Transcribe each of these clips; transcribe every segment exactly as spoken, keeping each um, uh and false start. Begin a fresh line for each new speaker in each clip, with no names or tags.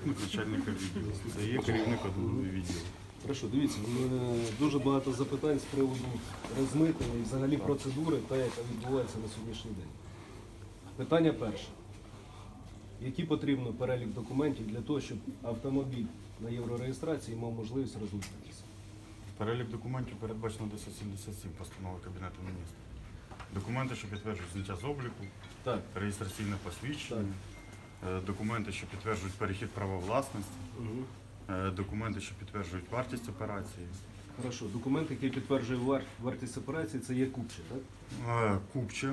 заступник начальника відділу. Це є керівник одного відділу.
Хорошо, дивіться, дуже багато запитань з приводу розмитнення і взагалі процедури, та, яка відбувається на сьогоднішній день. Питання перше. Який потрібно перелік документів для того, щоб автомобіль на єврореєстрації мав можливість розмитнитися?
Перелік документів передбачено десять сімдесят сім постанови Кабінету міністрів. Документи, що підтверджують зняття з обліку,
Так.
реєстраційне посвідчення, так. Документи, що підтверджують перехід права власності, угу. Документи, що підтверджують вартість операції.
Хорошо. Документ, який підтверджує вар... вартість операції, це є купче, так?
Купче,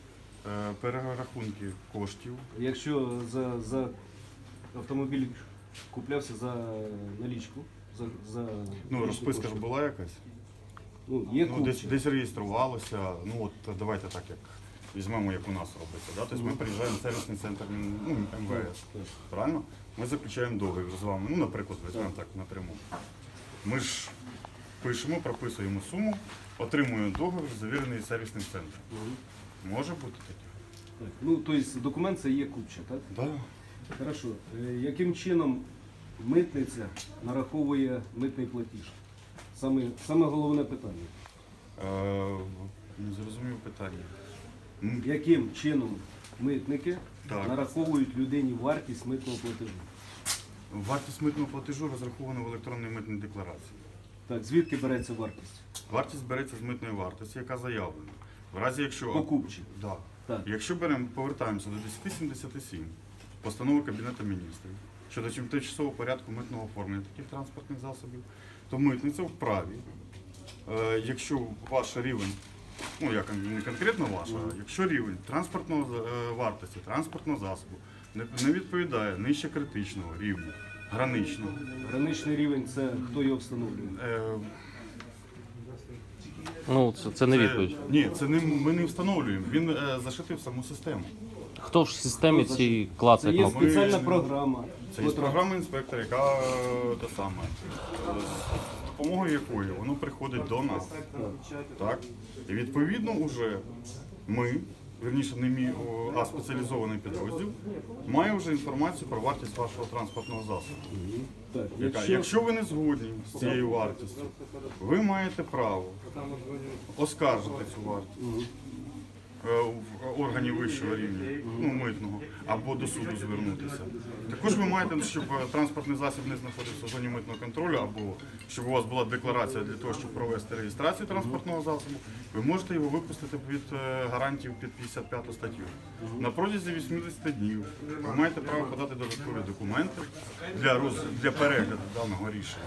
перерахунки коштів.
Якщо за, за автомобіль куплявся за налічку, за, за
ну, розписка ж була якась?
Ну, є
ну, десь, десь реєструвалося, ну от давайте так, як візьмемо, як у нас робиться. Да? Тобто ми приїжджаємо в сервісний центр ну, ем ве ес, правильно? Ми заключаємо договір з вами, ну, наприклад, візьмемо так напряму. Ми ж пишемо, прописуємо суму, отримуємо договір, завірений сервісним центром. Може бути таке?
Так. Ну, тобто документ це є купче, так?
Так. Да.
Хорошо. Яким чином митниця нараховує митний платіж? Саме, саме головне питання.
Е, не зрозумів питання.
Яким чином митники
так.
нараховують людині вартість митного платежу?
Вартість митного платежу розрахована в електронній митній декларації.
Так, звідки береться вартість?
Вартість береться з митної вартості, яка заявлена. В разі, якщо...
Покупчі.
Да.
Так.
Якщо беремо, повертаємося до десять сімдесят сім, постанови Кабінету міністрів, щодо тимчасового порядку митного оформлення таких транспортних засобів, то митниця вправі, е, якщо ваш рівень, ну як не конкретно ваш, а якщо рівень транспортного е, вартості, транспортного засобу не, не відповідає нижче критичного рівня, граничного.
Граничний рівень – це хто його встановлює?
Е,
Ну, це, це не відповідь.
Ні, це не, ми не встановлюємо, він е, зашитий в саму систему.
Хто ж в системі цій клацає
Це є
кнопку?
спеціальна
Ми-
програма.
Це є
котра-
програма інспектора, яка е, та саме, е, з допомогою якої воно приходить до нас. Так? І відповідно вже ми, вірніше не мій, о, а спеціалізований підрозділ, має вже інформацію про вартість вашого транспортного засобу.
Так,
Яка,
якщо...
якщо ви не згодні з цією вартістю, ви маєте право оскаржити цю вартість е, в органі вищого рівня, ну, митного, або до суду звернутися. Також ви маєте, щоб транспортний засіб не знаходився в зоні митного контролю, або щоб у вас була декларація для того, щоб провести реєстрацію транспортного засобу, ви можете його випустити від е, гарантів під п'ятдесят п'яту статтю. На протязі вісімдесят днів ви маєте право подати додаткові документи для, роз... для перегляду даного рішення.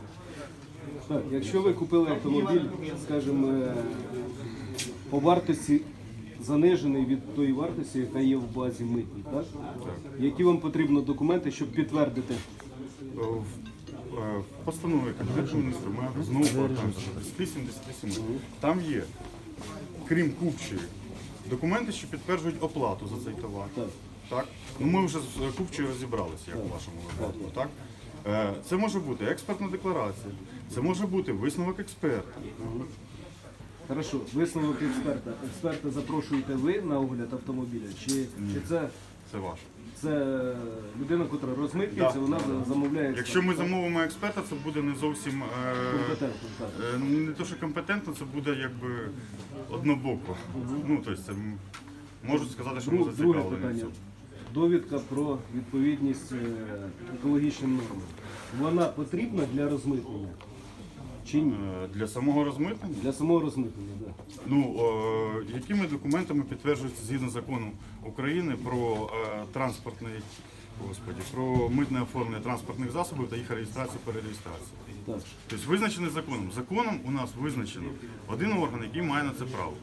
Так, якщо ви купили автомобіль, скажімо, е, по вартості занижений від тої вартості, яка є в базі митній, так? Які вам потрібно документи, щоб підтвердити?
В е, в постанові Кабінету міністрів ми знову повертаємося до десять сімдесят сім. Там є, крім купчої, документи, що підтверджують оплату за цей товар.
Так.
Так? Ну, ми вже з купчою розібралися, як у вашому випадку. Так? Е, Це може бути експертна декларація, це може бути висновок експерта.
Хорошо, висновок експерта. Експерта запрошуєте ви на огляд автомобіля? Чи, чи це,
Це ваше.
це людина, яка розмитнюється,
Да.
вона замовляє?
Якщо ми замовимо експерта, це буде не зовсім е,
Компетентно, так.
е, не то, що компетентно, це буде якби однобоко. Ну, тобто, це м- можуть сказати, що ми
Друг- Друге
зацікавлені. в
питання.
цьому.
Довідка про відповідність е, екологічним нормам. Вона потрібна для розмитнення? Чи ні?
Е, Для самого розмитнення?
Для самого розмитнення, так.
Ну, е, якими документами підтверджується згідно закону України про е, транспортний, господі, про митне оформлення транспортних засобів та їх реєстрацію перереєстрацію?
Так.
Тобто визначений законом. Законом у нас визначено один орган, який має на це право.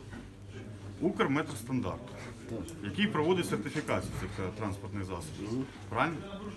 Укрметростандарт, який проводить сертифікацію цих е, транспортних засобів. Правильно?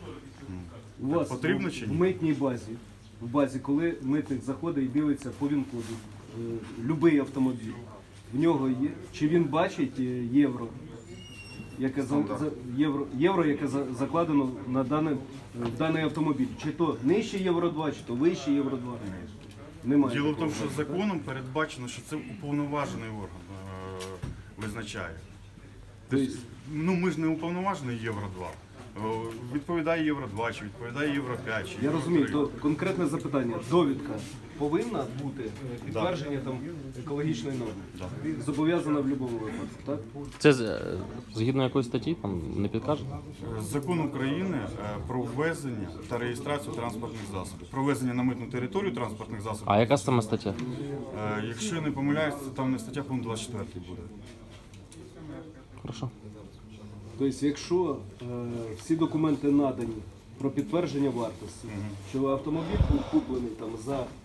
У вас
Потрібно
в-
чи
в
ні?
митній базі, в базі, коли митник заходить і дивиться по ВІН-коду, е, любий автомобіль, в нього є, чи він бачить е, євро, яке, за, за- євро, євро, яке за- закладено на даний, в даний автомобіль. Чи то нижче євро два, чи то вище євро два. Немає.
Діло в
такого.
тому, що законом передбачено, що це уповноважений орган е, визначає. Тобто, ну ми ж не уповноважений Євро два. О, Відповідає Євро два, чи відповідає Євро п'ять, чи
Я
Євро
розумію,
три.
то конкретне запитання. Довідка повинна бути е, підтвердження там екологічної норми. Зобов'язана в будь-якому випадку, так?
Це з- е, згідно якоїсь статті, там не підкажете?
Закон України е, про ввезення та реєстрацію транспортних засобів. Про ввезення на митну територію транспортних засобів.
А яка саме стаття?
Е, Якщо я не помиляюсь, це там не стаття, по-моєму, двадцять четвертий буде.
Хорошо.
Тобто, якщо е, всі документи надані про підтвердження вартості, що автомобіль був куплений там за е,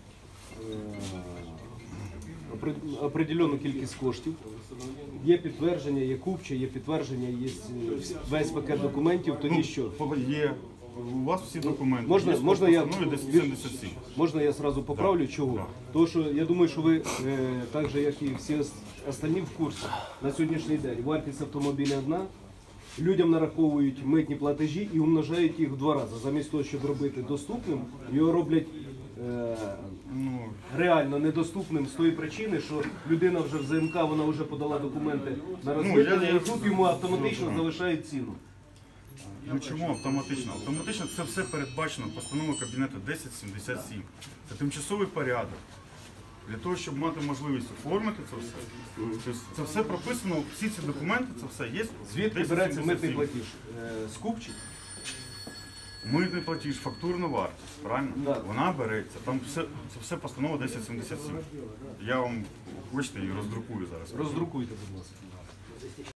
опри- определену кількість коштів, є підтвердження, є купче, є підтвердження, є е, весь пакет документів, тоді що?
По- Є. У вас всі документи.
Можна,
Є
можна
по
я
постанові десять сімдесят сім.
можна я сразу поправлю, чого? Тому що я думаю, що ви е, так же, як і всі ос- остальні в курсі на сьогоднішній день. Вартість автомобіля одна, людям нараховують митні платежі і умножають їх в два рази. Замість того, щоб робити доступним, його роблять е,
Ну,
реально недоступним з тої причини, що людина вже в ЗМК, вона вже подала документи на
я-
розмитнення,
я-
і тут йому автоматично залишають ціну.
ну чому автоматично? Автоматично це все передбачено постановою Кабінету десять сімдесят сім. Це тимчасовий порядок. Для того, щоб мати можливість оформити це все. Тобто це все прописано, всі ці документи, це все є.
Звідки
десять
береться
сімдесят
митний
сім.
платіж? Е, з купчі?
Митний платіж, фактурна вартість, правильно?
Да.
Вона береться. Там все, це все постанова десять сімдесят сім. Я вам, хочете, її роздрукую зараз.
Роздрукуйте, будь ласка.